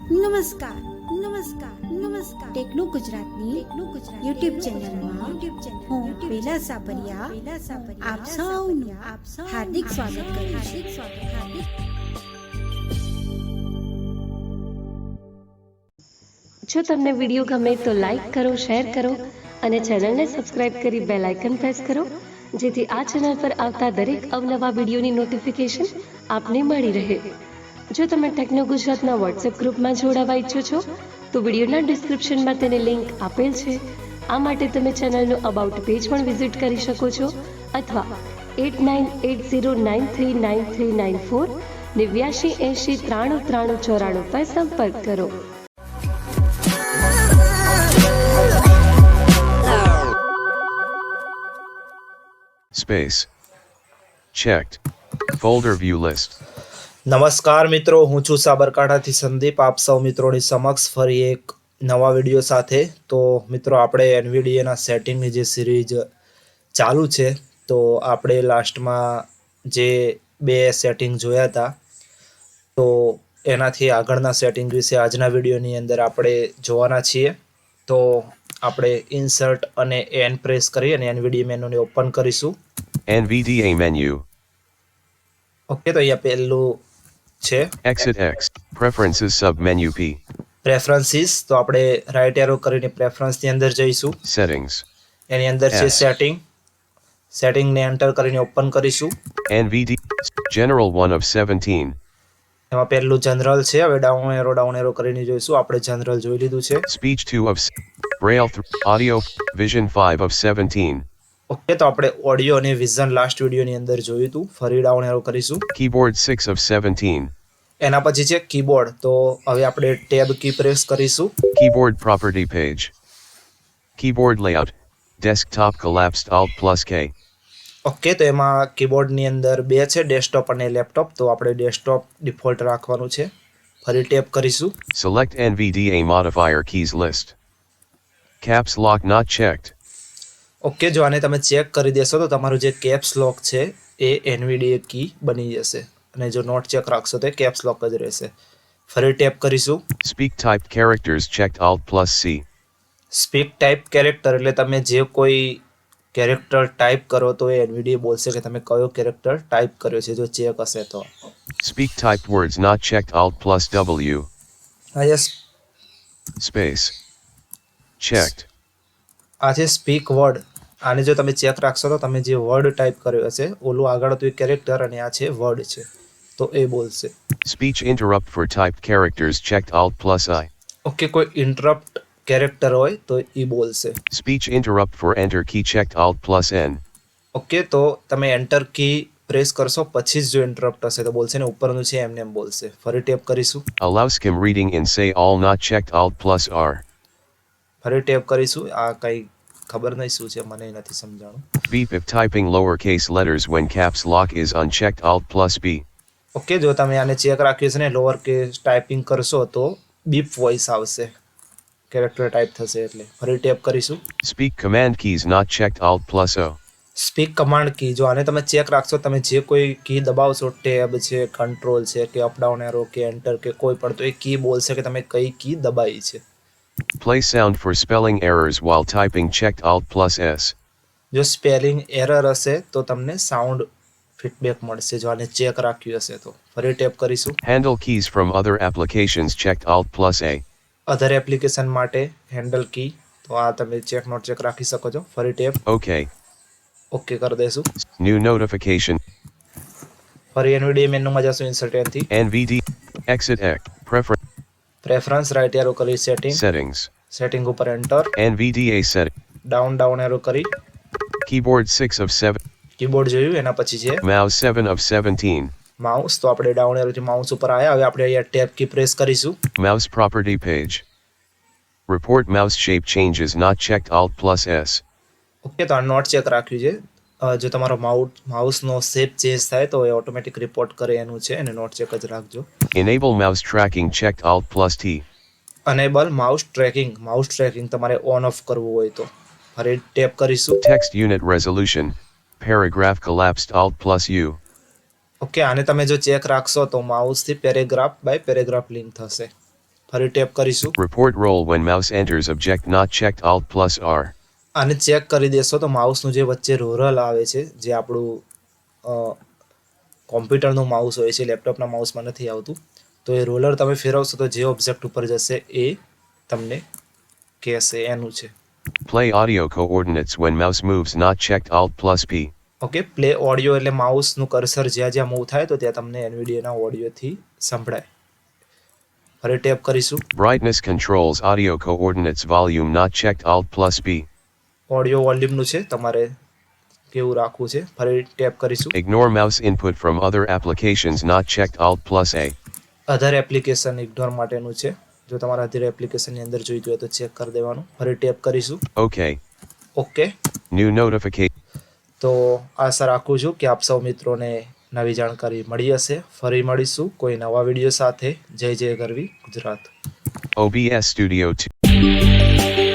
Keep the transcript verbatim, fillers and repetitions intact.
નમસ્કાર નમસ્કાર નમસ્કાર ટેકનો ગુજરાતની ટેકનો ગુજરાત યુટ્યુબ ચેનલમાં યુટ્યુબ ચેનલ હું બેલા સાપરિયા બેલા સાપરિયા આપ સૌનું આપ સૌ હાર્દિક સ્વાગત કરું હાર્દિક સ્વાગત હાર્દિક જો તમને વિડીયો ગમે તો લાઈક કરો, શેર કરો અને ચેનલને સબસ્ક્રાઇબ કરી બેલ આઇકન પ્રેસ કરો, જેથી આ ચેનલ પર આવતા દરેક અવનવા વિડીયોની નોટિફિકેશન આપને મળી રહે. જો તમે ટેકનો ગુજરાતના વોટ્સએપ ગ્રુપમાં જોડાવા ઈચ્છો છો તો વિડીયોના ડિસ્ક્રિપ્શનમાં તેની લિંક આપેલ છે. આ માટે તમે ચેનલનું અબાઉટ પેજ પણ વિઝિટ કરી શકો છો અથવા eight nine eight zero nine three nine three nine four નેવ્યાશી એંશી ત્રાણું ત્રાણું ચોરાણું પર સંપર્ક કરો. Space. Checked. Folder view list. નમસ્કાર મિત્રો, હું છું સાબરકાંઠાથી સંદીપ. આપ સૌ મિત્રોની સમક્ષ ફરી એક નવા વિડીયો સાથે. તો મિત્રો, આપણે એનવીડીએના સેટિંગની જે સિરીઝ ચાલુ છે, તો આપણે લાસ્ટમાં જે બે સેટિંગ જોયા હતા, તો એનાથી આગળના સેટિંગ વિશે આજના વિડીયોની અંદર આપણે જોવાના છીએ. તો આપણે ઇન્સર્ટ અને એન પ્રેસ કરી અને એનવીડીએ મેનુને ઓપન કરીશું. N V D A menu. Okay, તો અહીંયા પહેલું છે Exit X. Preferences sub menu P. Preferences. તો આપણે રાઈટ એરો કરીને પ્રેફરન્સની અંદર જઈશું. Settings. એની અંદર છે S. સેટિંગ. સેટિંગને એન્ટર કરીને ઓપન કરીશું. N V D. General one of seventeen. એમાં પહેલું જનરલ છે. હવે ડાઉન એરો ડાઉન એરો કરીને જોઈશું. આપણે જનરલ જોઈ લીધું છે. Speech two of s- Braille three. Audio Vision five of seventeen. Okay, તો આપણે ઓડિયો અને વિઝન લાસ્ટ વિડીયોની અંદર જોયું હતું. ફરી ડાઉન એરો કરીશું. Keyboard six of seventeen. એના પછી છે કીબોર્ડ. તો હવે આપણે ટેબ કી પ્રેસ કરીશું. Keyboard property page. Keyboard layout. Desktop collapsed Alt plus K. Okay, તો એમાં કીબોર્ડની અંદર બે છે, ડેસ્કટોપ અને લેપટોપ. તો આપણે ડેસ્કટોપ ડિફોલ્ટ રાખવાનું છે. ફરી ટેપ કરીશું. Select N V D A modifier keys list. Caps lock not checked. Okay, જો આને તમે ચેક કરી દેશો તો તમારું જે કેપ્સ લોક છે એ એનવીડીએ કી બની જશે, અને જો નોટ ચેક રાખશો તો કેપ્સ લોક જ રહેશે. ફરી ટેપ કરીશું. Speak typed characters checked Alt plus C. Speak type character એટલે તમે જે કોઈ કેરેક્ટર ટાઈપ કરો તો એ એનવીડીએ બોલશે કે તમે કયો કેરેક્ટર ટાઈપ કર્યો છે, જો ચેક હશે તો. Speak typed words not checked Alt plus W. આ જે Space. Checked. આ છે સ્પીક વર્ડ. આને જો તમે ચેક રાખશો તો તમે જે વર્ડ ટાઈપ કર્યો હશે, ઓલું આગળ હતું એ કેરેક્ટર અને આ છે વર્ડ છે, તો એ બોલશે. Speech interrupt for typed characters checked Alt plus I. Okay, કોઈ ઇન્ટરપ્ટ કેરેક્ટર હોય તો એ બોલશે. Speech interrupt for enter key checked Alt plus N. Okay, તો તમે એન્ટર કી પ્રેસ કરશો પછી જ જો ઇન્ટરપ્ટ હશે તો બોલશે, ને ઉપરનું છે એમને એમ બોલશે. ફરી ટેપ કરીશું. Allow skim reading in say all not checked Alt plus R. ફરી ટેપ કરીશું. આ કઈ ખબર નહીં શું છે, મને નથી સમજાણું. Beep if typing lowercase letters when caps lock is unchecked Alt plus B. Okay, જો તમે આને ચેક રાખ્યું છે ને લોઅર કેસ ટાઈપિંગ કરશો તો બીપ વોઇસ આવશે, કેરેક્ટર ટાઈપ થશે એટલે. ફરી ટેપ કરીશું. Speak command keys not checked Alt plus O. Speak command key. જો આને તમે ચેક રાખશો, તમે જે કોઈ કી દબાવશો, ટેબ છે, કંટ્રોલ છે કે અપડાઉન એરો કે એન્ટર કે કોઈ પણ, તો એ કી બોલશે કે તમે કઈ કી દબાવી છે. Play sound for spelling errors while typing checked Alt plus S. જો સ્પેલિંગ એરર હશે તો તમને સાઉન્ડ ફીડબેક મળશે, જો આને ચેક રાખ્યું હશે તો. ફરી ટેપ કરીશું. Handle keys from other applications checked Alt plus A. Other application માટે હેન્ડલ કી, તો આ તમે ચેક નોટ ચેક રાખી શકો છો. ફરી ટેપ OK. ઓકે કરી દેશું. New notification. ફરી એનવીડીએ મેનુમાં જશું. ઇન્સર્ટ એનથી N V D. Exit X. Prefer. Preference right arrow કરી સેટિંગ. Settings. સેટિંગ ઉપર enter. N V D A setting. Down down arrow કરી. Keyboard six of seven. Keyboard જોયું. એના પછી છે Mouse seven of seventeen. Mouse. તો આપણે down એરોથી mouse ઉપર આવ્યા. હવે આપણે અહીંયા ટેપ કી પ્રેસ કરીશું. Mouse property page. Report mouse shape changes not checked Alt plus S. Okay, તો આ નોટ ચેક રાખ્યું છે. અ, જો તમારો માઉસ માઉસનો શેપ ચેન્જ થાય તો એ ઓટોમેટિક રિપોર્ટ કરે એનું છે, અને નોટ ચેક જ રાખજો. Enable mouse tracking checked Alt plus T. Enable mouse tracking. Mouse tracking તમારે ઓન ઓફ કરવું હોય તો. ફરી ટેપ કરીશું. Text unit resolution. Paragraph collapsed Alt plus U. Okay, આને તમે જો ચેક રાખશો તો માઉસથી પેરેગ્રાફ બાય પેરેગ્રાફ લિંક થશે. ફરી ટેપ કરીશું. Report role when mouse enters object not checked Alt plus R. આને ચેક કરી દેશો તો માઉસનું જે વચ્ચે રોલર આવે છે, જે આપણું કોમ્પ્યુટરનું માઉસ હોય છે, લેપટોપના માઉસમાં નથી આવતું, તો એ રોલર તમે ફેરવશો તો જે ઓબ્જેક્ટ ઉપર જશે એ તમને કહેશે એનું છે. Play audio coordinates when mouse moves not checked Alt plus P. Okay, play audio એટલે માઉસનું કર્સર જ્યાં જ્યાં મૂવ થાય તો ત્યાં તમને એનવીડિયાના ઓડિયોથી સંભળાય. ફરી ટેપ કરીશું. Brightness controls audio coordinates volume not checked Alt plus P. Audio વોલ્યુમનું છે, તમારે કેવું રાખવું છે. ફરી ટેપ કરીશું. Ignore mouse input from other applications not checked Alt plus A. Other application ignore માટેનું છે. જો તમારે અધર એપ્લિકેશનની અંદર જોઈતું હોય તો ચેક કરી દેવાનું. ફરી ટેપ કરીશું. OK. Okay, New notification. તો આશા રાખું છું કે આપ સૌ મિત્રોને નવી જાણકારી મળી હશે. ફરી મળીશું કોઈ નવા વિડીયો સાથે. જય જય ગરવી Gujarat. O B S Studio two.